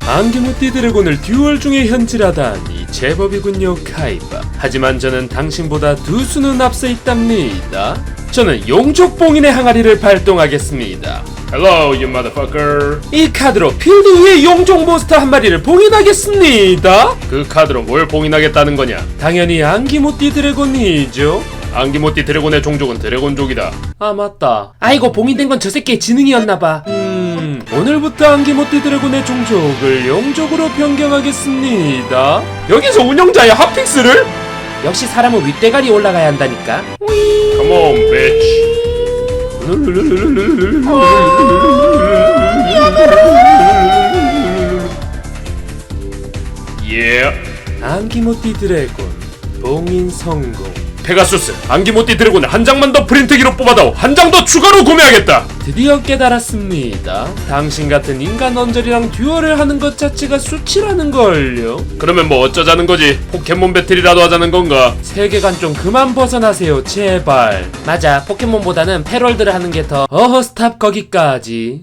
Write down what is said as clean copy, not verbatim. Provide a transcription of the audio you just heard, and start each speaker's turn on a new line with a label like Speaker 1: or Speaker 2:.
Speaker 1: 안기무띠 드래곤을 듀얼 중에 현질하다니 제법이군요, 카이바. 하지만 저는 당신보다 두 수는 앞서 있답니다. 저는 용족봉인의 항아리를 발동하겠습니다. Hello, you motherfucker. 이 카드로 필드 위에 용족 몬스터 한 마리를 봉인하겠습니다. 그 카드로 뭘 봉인하겠다는 거냐? 당연히 안기무띠 드래곤이죠. 안기무띠 드래곤의 종족은 드래곤족이다. 아, 맞다. 아이고, 봉인된 건 저 새끼의 지능이었나봐. 오늘부터 안기무띠 드래곤의 종족을 용족으로 변경하겠습니다. 여기서 운영자의 핫픽스를? 역시 사람은 윗대가리 올라가야 한다니까. Come on, bitch. Yeah. 안기무띠 드래곤 봉인 성공. 페가수스, 안기무띠 드래곤을 한 장만 더 프린트기로 뽑아다오. 한 장 더 추가로 구매하겠다. 드디어 깨달았습니다. 당신 같은 인간 언저리랑 듀얼을 하는 것 자체가 수치라는 걸요. 그러면 뭐 어쩌자는 거지? 포켓몬 배틀이라도 하자는 건가? 세계관 좀 그만 벗어나세요, 제발. 맞아, 포켓몬보다는 패럴드를 하는 게 더. 어허, 스탑. 거기까지.